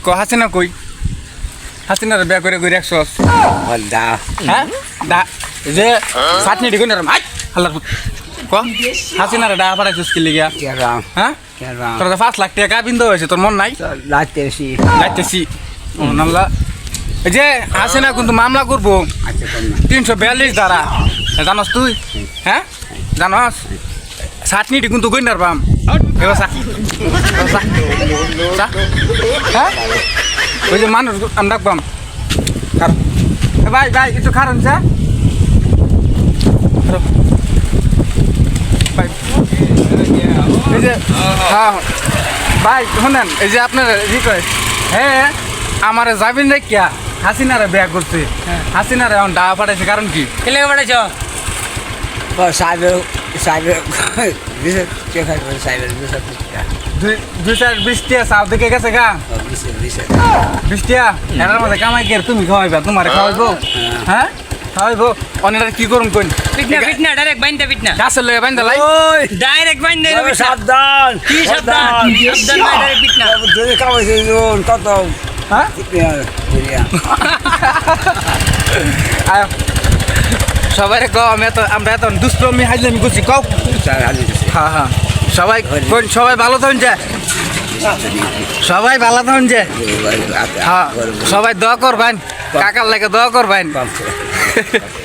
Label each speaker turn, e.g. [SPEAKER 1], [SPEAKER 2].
[SPEAKER 1] হাসিনা কই হাসিনার বিয়া করে কই রাখছস
[SPEAKER 2] দা
[SPEAKER 1] হ্যাঁ দা যে চাটনি দিগুন রে মাই হাল্লার ক হাসিনার ডা পাঠাইছস কি লিগা
[SPEAKER 2] কেরাম
[SPEAKER 1] হ্যাঁ
[SPEAKER 2] কেরাম
[SPEAKER 1] তোর 5 লাখ টাকা বিন্দু হয়েছে তোর মন নাই
[SPEAKER 2] লাইতেছি
[SPEAKER 1] যাইতেছি ও নাল্লা এই যে হাসিনা কিন্তু মামলা করবো
[SPEAKER 2] আচ্ছা কোন
[SPEAKER 1] 342 ধারা জানস তুই হ্যাঁ জানস চাটনিটি কিন্তু গইনার পাম এবার হ্যাঁ ওই যে মানুষ আমরা পাম ভাই ভাই একটু খারান চা এই যে হ্যাঁ ভাই শোনেন এই যে আপনার ই কয় হ্যাঁ আমার যাবিন রে কিয়া হাসিনারে বিয়া করছে হাসিনারে এখন ডাহা পাঠাইছে কারণ কি
[SPEAKER 3] কেলে পাঠাইছ
[SPEAKER 2] সাহেবের সাহেবের বিশেষ চেখার সাহেবের বিশেষ
[SPEAKER 1] 20 টিয়া চাও দেখে গেছে গা
[SPEAKER 2] বিশেষ বিশেষ
[SPEAKER 1] 20 টিয়া এটার মধ্যে কামাই কে তুমি খাওয়াইবা তোমারে খাওয়াইবো হ্যাঁ খাওয়াইবো অনেকটা কি করুন কোন
[SPEAKER 3] পিটনা পিটনা ডাইরেক্ট বাইন্দা পিটনা
[SPEAKER 1] গাছের লয়ে বাইন্দা লাই
[SPEAKER 2] ওই
[SPEAKER 3] ডাইরেক্ট বাইন্দা
[SPEAKER 2] সাবধান
[SPEAKER 3] কি সাবধান সাবধান নাই ডাইরেক্ট পিটনা
[SPEAKER 2] যদি কামাইছে কত
[SPEAKER 1] হ্যাঁ আয় সবাই কও আমরা এত দুষ্প্রমি হাইলামি করছি কও হ্যাঁ হ্যাঁ সবাই কোন সবাই ভালো থাকুন যে সবাই ভালো থাকুন যে হ্যাঁ সবাই দোয়া করবেন কাকার লাগে দোয়া করবেন